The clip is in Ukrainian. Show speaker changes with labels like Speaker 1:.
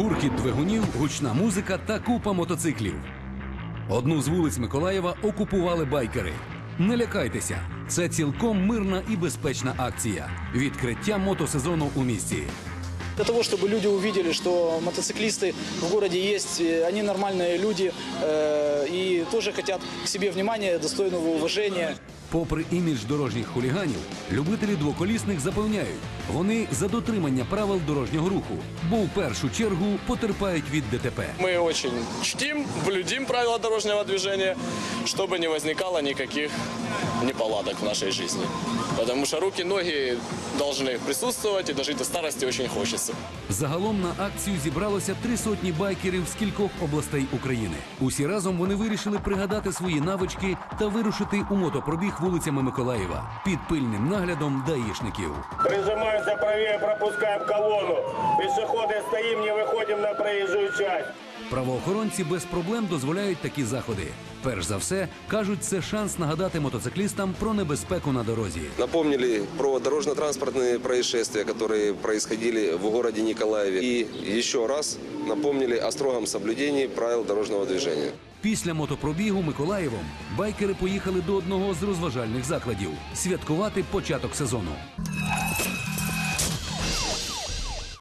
Speaker 1: Гуркіт двигунів, гучна музика та купа мотоциклів. Одну з вулиць Миколаєва окупували байкери. Не лякайтеся, це цілком мирна і безпечна акція. Відкриття мотосезону у місті.
Speaker 2: Для того, чтобы люди увидели, что мотоциклисты в городе есть, они нормальные люди и тоже хотят к себе внимания, достойного уважения.
Speaker 1: Попри імідж дорожніх хуліганів, любителі двоколісних запевняють, вони за дотримання правил дорожнього руху, бо в першу чергу потерпають від ДТП.
Speaker 3: Мы очень чтим, блюдем правила дорожного движения, чтобы не возникало никаких неполадок в нашей жизни. Потому что руки, ноги должны присутствовать, и дожить до старости очень хочется.
Speaker 1: Загалом на акцію зібралося 300 байкерів з кількох областей України. Усі разом вони вирішили пригадати свої навички та вирушити у мотопробіг вулицями Миколаєва під пильним наглядом даїшників.
Speaker 4: Прижимаемся правее, пропускаем колонну. Пешеходы стоим, не выходим на проезжую часть.
Speaker 1: Правоохоронці без проблем дозволяють такі заходи. Перш за все, кажуть, це шанс нагадати мотоциклістам про небезпеку на дорозі.
Speaker 5: Напомнили про дорожно-транспортные происшествия, которые происходили в городе Николаеве. И еще раз напомнили о строгом соблюдении правил дорожного движения.
Speaker 1: Після мотопробігу Миколаєвом байкери поїхали до одного з розважальних закладів – святкувати початок сезону.